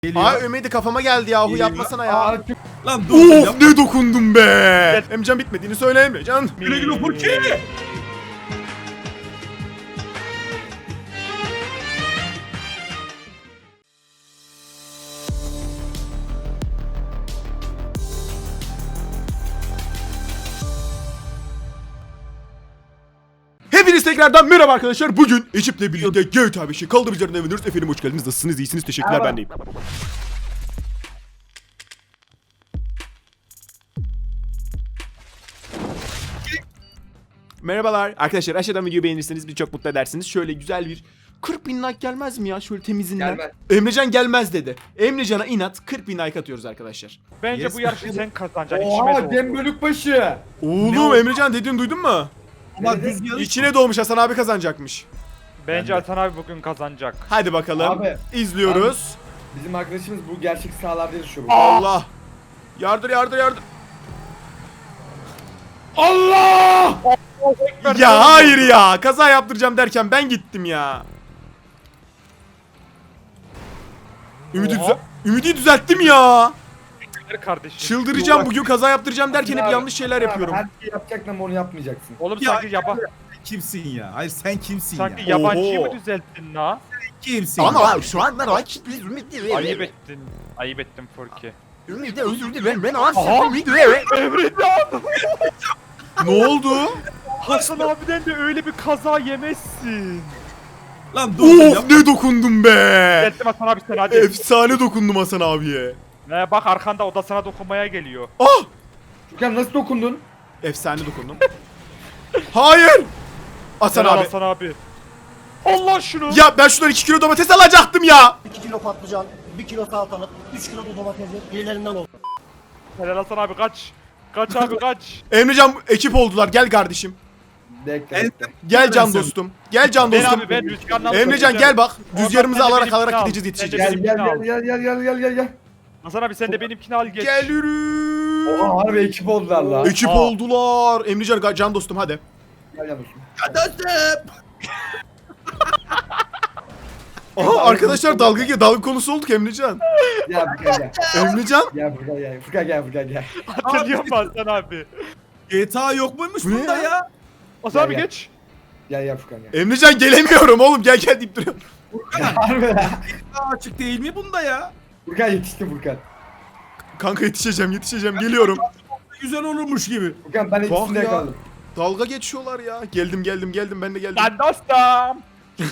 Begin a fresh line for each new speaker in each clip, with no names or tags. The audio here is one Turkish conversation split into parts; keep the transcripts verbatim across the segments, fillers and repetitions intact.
Geliyor.
Ay Ümidi kafama geldi yahu,
Geliyor.
yapmasana ya.
Aa, çok- Lan dur.
Of
yapma.
ne dokundum be. Emrecan bitmediğini söyle Emrecan.
Güle güle Furki.
Hepiniz tekrardan merhaba arkadaşlar. Bugün ekiple birlikte G T A beşi kaldırıcılarına eviniyoruz. Efendim hoş geldiniz. Nasılsınız? İyisiniz. Teşekkürler.
Merhaba.
Ben deyim. Merhabalar. Arkadaşlar aşağıdan videoyu beğenirseniz bizi çok mutlu edersiniz. Şöyle güzel bir kırk bin like gelmez mi ya? Şöyle temizinden.
Gelmez.
Emrecan gelmez dedi. Emrecan'a inat kırk bin like atıyoruz arkadaşlar.
Bence
Yes.
bu yarışı sen kazanacaksın. içime
Oha
doğdu.
Dem Bölükbaşı.
Oğlum
Ne o-
Emrecan dediğini duydun mu?
Ama
Evet.
düz yarış.
İçine doğmuş, Hasan abi kazanacakmış.
Bence Hasan abi bugün kazanacak.
Hadi bakalım.
Abi.
İzliyoruz.
Bizim arkadaşımız bu gerçek sahalarda yaşıyor. bu.
Allah. Yardır yardır yardır.
Allah!
Ya hayır ya. Kaza yaptıracağım derken ben gittim ya. Ümidi,
Oha.
düze- Ümidi düzelttim ya.
Teşekkürler kardeşim.
Çıldıracağım, bugün kaza yaptıracağım derken hep
Abi,
yanlış şeyler
abi,
yapıyorum.
Her şeyi yapacaksın ama onu yapmayacaksın.
Oğlum
Ya-
sanki yaba
Kimsin ya? Hayır sen kimsin
sanki
ya?
yabancıyı
Oho.
mı düzelttin la?
Kimsin?
Ama
ya?
abi şu anda rakip bir ümit değil.
Ayıp ettin. Ayıp ettin Furki.
Ümit de özür dilerim ben aslında
Aha.
ümit değil.
Emrecan!
Ne oldu?
Hasan abiden de öyle bir kaza yemezsin.
Lan dur.
Of
yapma.
ne dokundum be.
Geldim Hasan abi sen hadi.
Efsane dokundum Hasan abiye.
Ne bak arkanda o da sana dokunmaya geliyor.
Ah!
Furkan nasıl dokundun?
Efsane dokundum. Hayır. Hasan
Helal
abi.
Hasan abi. Allah şunu.
Ya ben şuradan iki kilo domates alacaktım ya.
iki kilo patlıcan, bir kilo salatalık, üç kilo da domatesi birilerinden oldu.
Helal Hasan abi kaç. Kaç abi kaç.
Emrecan ekip oldular. Gel kardeşim.
Bekle.
En-
bekle.
Gel can
Sen-
dostum. Gel can
Ben
dostum.
abi ben rüzgarla
Emrecan gel bak.
Oradan
Rüzgarımızı
sen de
alarak
benimkini
alarak
al.
gideceğiz,
Sen de
yetişeceğiz.
Gel gel
benimkini
gel
al.
gel gel gel gel gel.
Hasan abi sen de benimkini al geç.
Gel yürü.
Oha harbi ekip oldular la.
Ekip
Aa.
oldular. Emrecan can dostum hadi.
Gel gel dostum.
Dostum.
Aha arkadaşlar dalga ge- dalga konusu olduk Emrecan.
Gel Furkan gel.
Emrecan.
Gel Furkan gel. Furkan gel Furkan gel.
Hatırlıyor musun Hasan abi?
G T A yok muymuş
Bu ne
bunda
ya?
ya?
Hasan abi
Gel, gel.
geç.
Gel gel Furkan gel.
Emrecan gelemiyorum oğlum, gel gel deyip duruyorum.
Harbi la.
Aa, açık değil mi bunda ya?
Furkan yetişti Furkan.
Kanka yetişeceğim yetişeceğim geliyorum.
Güzel olurmuş gibi.
Furkan ben
Bak
ikisinde
ya.
yakaladım.
Dalga geçiyorlar ya. Geldim geldim geldim ben de geldim.
Ben dostum.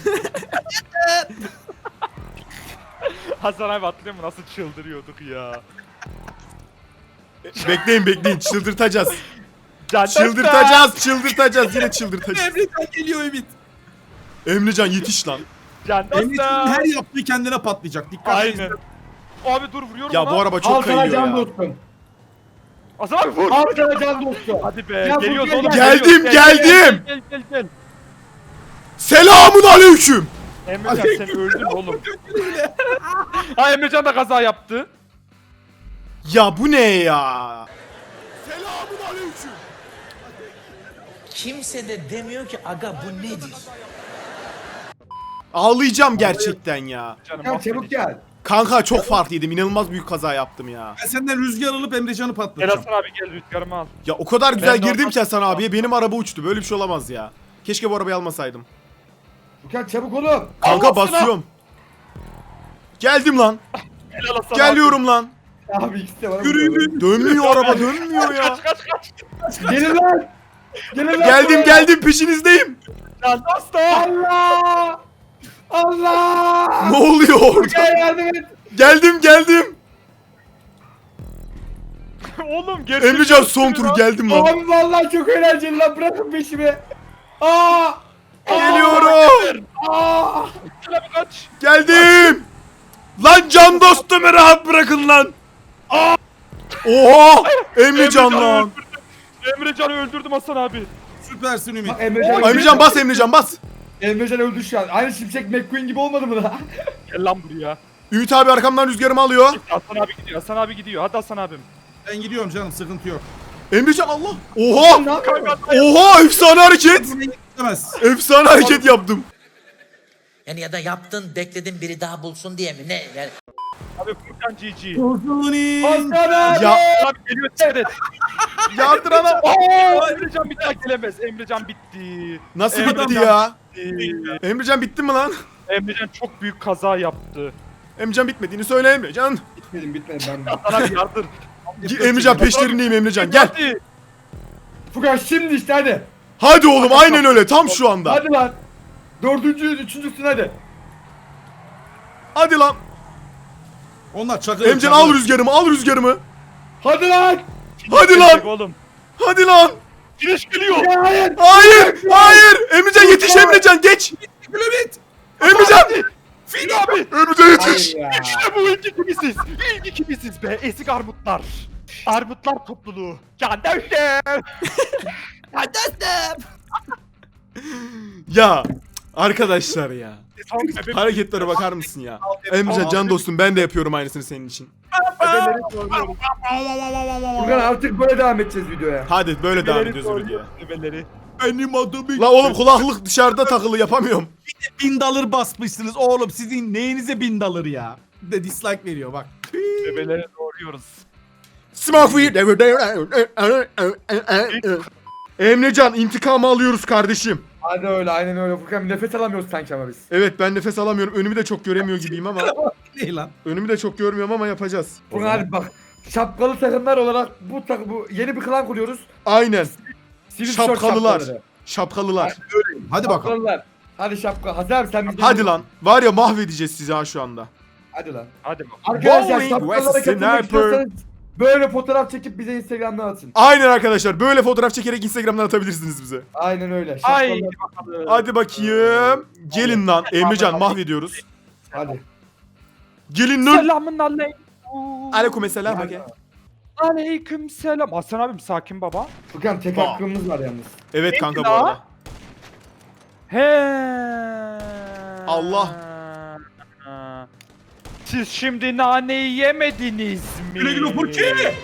Hasan abi hatırlıyor musun nasıl çıldırıyorduk ya.
Bekleyin bekleyin, çıldırtacağız.
Can dostum.
Çıldırtacağız çıldırtacağız yine çıldırtacağız.
Emrecan geliyor Ümit.
Emrecan yetiş lan.
Can
Emrecan'ın
dostum.
her yaptığı kendine patlayacak. Dikkat
Aynen. Abi dur vuruyorum
Ya
ona.
bu araba
Al
çok
sana
kayıyor
can
ya.
dostum.
Hasan abi vur.
Al sana can dostum.
Hadi be
Ya
geliyoruz
Furkan
oğlum.
gel.
Geldim,
geliyoruz. Gel,
geldim.
Gel gel gel. gel.
Selamun aleyküm.
Emrecan sen öldün oğlum. Ha Emrecan da kaza yaptı.
Ya bu ne ya? Selamun aleyküm.
Kimse de demiyor ki aga bu nedir?
Ağlayacağım gerçekten ya.
Canım
Furkan
affedin.
çabuk gel.
Kanka çok farklıydım. İnanılmaz büyük kaza yaptım ya.
Ben senden rüzgar alıp Emrecan'ı
Gel
patlatacağım.
Hasan abi gel rüzgarımı al.
Ya o kadar güzel
Ben de
girdim
ondan-
ki Hasan abiye, benim araba uçtu. Böyle bir şey olamaz ya. Keşke bu arabayı almasaydım.
Furkan çabuk oğlum.
Kanka
Allah sana.
basıyorum. Geldim lan.
Helal Hasan abi.
Geliyorum lan.
Abi ikisi de bana
Yürü
vuruyor.
yürü.
Dönmüyor araba, dönmüyor ya.
Kaç kaç kaç.
Gelin lan. Gelin lan.
Geldim
buraya.
geldim, peşinizdeyim.
Can dostum.
Allah! Allah!
Ne oluyor orada?
Furkan yardım et.
Geldim geldim.
Oğlum gerçekten.
Emrecan son tur geldim lan.
Abi vallahi çok eğlenceli lan, bırakın peşimi. Aa!
Geliyorum.
Aa!
Hasan abi kaç.
Geldim. Lan can dostumu rahat bırakın lan. Oha! Emrecan lan.
öldürdüm. Emrecan'ı öldürdüm Hasan abi.
Süpersin Ümit.
Bak Emrecan,
Emrecan bas, Emrecan bas.
Emrecan öldü şu an. Aynı Şimşek McQueen gibi olmadı mı lan?
Gel lan buraya.
Ümit abi arkamdan rüzgarımı alıyor.
Hasan abi gidiyor. Hasan abi gidiyor. Hadi Hasan abim.
Ben gidiyorum canım, sıkıntı yok.
Emrecan Allah. Oha!
Ne yapıyorsun?
Oha! Efsane hareket.
Gitmez.
Efsane hareket yaptım.
Yani ya da yaptın bekledin biri daha bulsun diye mi? Ne? Yani
Abi Furkan G G.
Uzuni.
Hasan abi.
Ya
Abi geliyor dikkat et.
yardır ana.
Aa, Emrecan bir daha gelemez. Emrecan bitti.
Nasıl
Emrecan
bitti ya?
bitti.
Emrecan bitti mi lan?
Emrecan çok büyük kaza yaptı.
Emrecan bitmediğini söyle Emrecan.
Bitmedim bitmedim ben de.
Sana bir yardır.
Emrecan peşlerindeyim Emrecan gel.
Hadi.
Furkan şimdi işte hadi.
Hadi oğlum aynen öyle tam şu anda.
Hadi lan. Dördüncü, üçüncüsün hadi.
Hadi lan.
Onlar çakır.
Emrecan al rüzgarımı al rüzgarımı.
Hadi lan.
Hadi lan.
Oğlum.
Hadi lan.
Güneş geliyor.
Ya hayır.
Hayır hayır. Emrecan yetiş Emrecan geç.
Ümit.
Emrecan.
Fil abi.
Emrecan yetiş.
Hayır ya.
İşte bu ilk ikimisiz. İlk ikimisiz be. Ezik armutlar. Armutlar topluluğu. Kardeşim.
Ya arkadaşlar ya.
Son bebek
Hareketlere bakar mısın ya? Emrecan can dostum ben de yapıyorum aynısını senin için.
bebeleri soruyoruz.
Furkan artık böyle devam edeceğiz videoya.
Hadi böyle devam
Bebeleri
ediyoruz videoya.
soruyoruz, bebeleri.
Benim adım.
La oğlum kulaklık dışarıda takılı yapamıyorum.
Bin dolar basmışsınız oğlum. Sizin neyinize bin dolar ya? Bir de dislike veriyor bak.
Bebeleri doğuruyoruz.
Smoke weed every day. Emrecan intikamı alıyoruz kardeşim.
Hadi öyle aynen öyle Furkan bir nefes alamıyoruz sanki ama biz.
Evet ben nefes alamıyorum. Önümü de çok göremiyor gibiyim ama.
Ne lan?
Önümü de çok görmüyorum ama yapacağız.
Furkan hadi bak. Şapkalı takımlar olarak bu tak bu yeni bir klan kuruyoruz.
Aynen.
Sivil tişört
Şapkalılar.
şapkaları.
Şapkalılar.
Hadi bakalım.
Şapkalılar. Hadi şapka. Hasan abi sen bizden.
Hadi lan. Var ya mahvedeceğiz sizi ha şu anda.
Hadi lan.
Hadi bakalım.
Arkadaşlar
Bowling
şapkalara
with
katılmak
sniper.
istiyorsanız böyle fotoğraf çekip bize Instagram'dan atın.
Aynen arkadaşlar. Böyle fotoğraf çekerek Instagram'dan atabilirsiniz bize.
Aynen öyle.
Ay
Şapkalar.
bakalım.
Hadi bakayım. Gelin lan. Emrecan mahvediyoruz.
Hadi.
Gelin lan.
Selamun aleyküm.
Aleykümselam.
Hadi.
Hadi.
Aleyküm selam. Hasan abim sakin baba.
Furkan tek
Aa.
hakkımız var yalnız.
Evet
Neydi
kanka bu
la?
arada.
He.
Allah.
Siz şimdi naneyi yemediniz mi?
Güle güle Furki.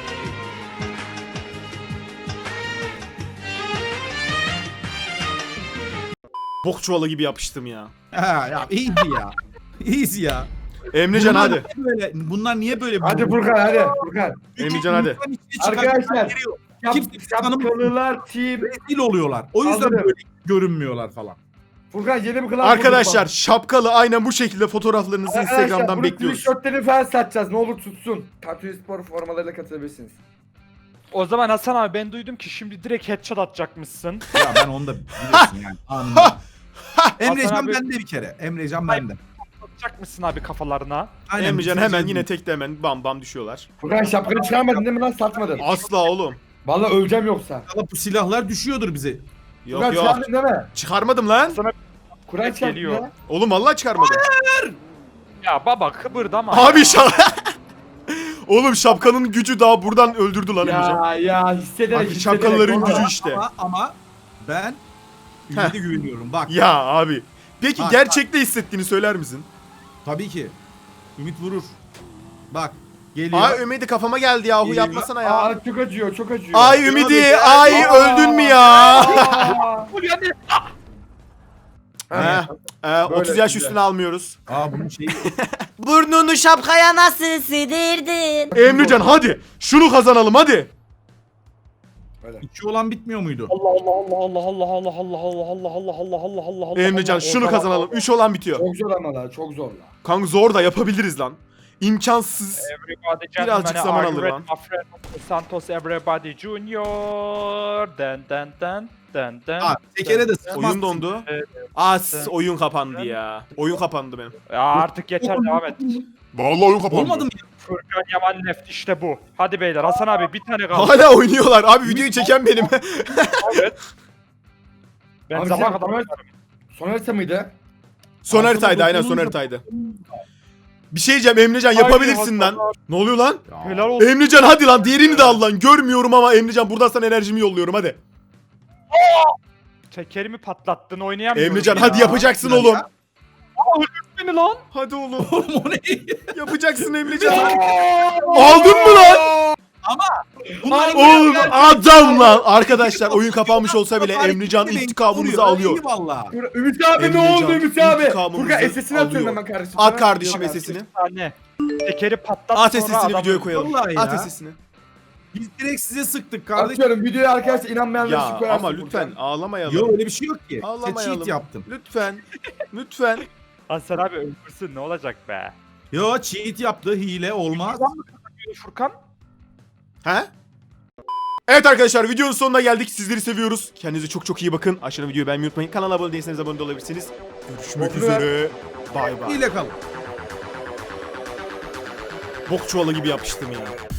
Bok çuvalı gibi yapıştım ya.
Ha ya iyiydi ya. İyiyiz ya.
Emrecan
Bunlar
hadi.
niye Böyle, bunlar niye böyle?
Hadi Furkan hadi. Furkan.
Emrecan hadi.
İnsan içine çıkan
Arkadaşlar.
birileri yok.
Şap,
Kimse bizi tanımıyor.
şapkalılar team.
Rezil oluyorlar. O yüzden
Anladım.
böyle görünmüyorlar falan.
Furkan yeni bir klan
Arkadaşlar
kurduk
şapkalı aynen bu şekilde fotoğraflarınızı
bak. Arkadaşlar,
Instagram'dan
bunun
bekliyoruz.
tişörtlerini falan satacağız. Ne olur tutsun. Tatuy Spor formalarıyla katılabilirsiniz.
O zaman Hasan abi ben duydum ki şimdi direkt headshot atacakmışsın.
Ya ben onu da biliyorsun yani. Anında. Emrecan
Hasan abi-
bende bir kere. Emrecan bende.
Atacakmışsın abi kafalarına.
Aynen,
Emrecan
bir
hemen
seçim.
yine tekte hemen bam bam düşüyorlar.
Furkan şapkanı çıkarmadın değil mi lan satmadın?
Asla oğlum.
Vallahi öleceğim yoksa.
İnşallah bu silahlar düşüyordur bize.
Yok
Furkan
yok.
çıkardın değil mi?
Çıkarmadım lan.
Sana
Kur'an çıkardın
Geliyor.
ya.
Oğlum vallahi çıkarmadım.
ya baba kıpırdama.
Abi şap... Oğlum şapkanın gücü daha buradan öldürdü lan Emrecan.
Ya ya hissederek
Abi
hissederek.
şapkalıların
Vallahi.
gücü işte.
Ama, ama ben Ümit'e güveniyorum. Bak
Ya abi. Peki
Bak,
gerçekte hissettiğini söyler misin?
tabii ki. Ümit vurur. Bak geliyor.
Ay Ümidi kafama geldi yahu
Geliyor.
yapmasana ya.
Aa çok acıyor çok acıyor.
Ay Ümidi
Abi,
ay
Aa.
öldün mü ya?
Aa.
He, e, otuz yaş
güzel.
üstüne almıyoruz.
Aa bunun şeyi.
Burnunu şapkaya nasıl sığdırdın?
Emrecan hadi şunu kazanalım hadi.
İki olan bitmiyor muydu?
Allah Allah Allah Allah Allah Allah Allah Allah Allah Allah Allah Allah Allah.
Emrecan şunu kazanalım. üç olan bitiyor.
Çok zor ama la çok zor la.
Kanka zor da yapabiliriz lan. İmkansız.
Everybody
Birazcık
gentlemen,
zaman
are you
alır
ready,
lan.
my friend? Santos Everybody Junior. Den den den den den.
Aa tekere de
Oyun
sıkmazsın.
dondu.
Evet.
As oyun kapandı ya. Oyun kapandı benim.
Ya artık yeter devam et.
Vallahi oyun
Olmadı mı?
Furkan Yaman left işte bu. Hadi beyler Hasan abi bir tane kaldı.
Hala oynuyorlar. Abi videoyu çeken benim.
Evet. Ben
Abi
sabah
sen-
kadar oynarım.
Son harita mıydı?
Son
Aslında
haritaydı aynen son
dokununca-
haritaydı. Bir şey diyeceğim Emrecan yapabilirsin
Hayır,
lan. Ne oluyor lan?
Ya.
Helal olsun.
Emrecan hadi lan diğerini de al lan. Görmüyorum ama Emrecan buradan sana enerjimi yolluyorum hadi.
Tekerimi patlattın oynayamıyorum.
Emrecan
ya.
hadi yapacaksın
Ya.
oğlum.
Aa, öldürdün beni lan.
Hadi oğlum.
Oğlum o ne?
Yapacaksın Emrecan. Aldın mı lan?
Bunlar
Oğlum adam lan. Arkadaşlar oyun kapanmış olsa bile Emrecan intikamımızı alıyor.
Eyvallah.
Ümit abi ne
Emrecan,
oldu Ümit abi?
intikamımızı
Furkan sesini atıyorum
alıyor.
hemen kardeşim.
At
sana.
kardeşim
Yok,
sesini.
Tane. Tekeri patlat
At
sonra
sesini
adamı-
videoya koyalım.
Vallahi
At
ya.
sesini.
Biz direkt size sıktık kardeşim.
Atıyorum videoya arkadaşlar inanmayanlar için
Ya
koyarsın
ama
Furkan.
lütfen ağlamayalım.
Yok öyle bir şey yok ki. Sen
Ağlamayalım.
cheat yaptın.
Lütfen. Lütfen.
Hasan abi öldürsün ne olacak be?
Yo cheat yaptı. Hile olmaz.
Adam mı kazanıyor Furkan?
He? Evet arkadaşlar videonun sonuna geldik. Sizleri seviyoruz. Kendinize çok çok iyi bakın. Aşağıdan videoyu beğenmeyi unutmayın. Kanala abone değilseniz abone de olabilirsiniz. Görüşmek
Boklu ver.
üzere. Bay bay.
Hile kalın.
Bok çuvalı gibi yapıştım ya.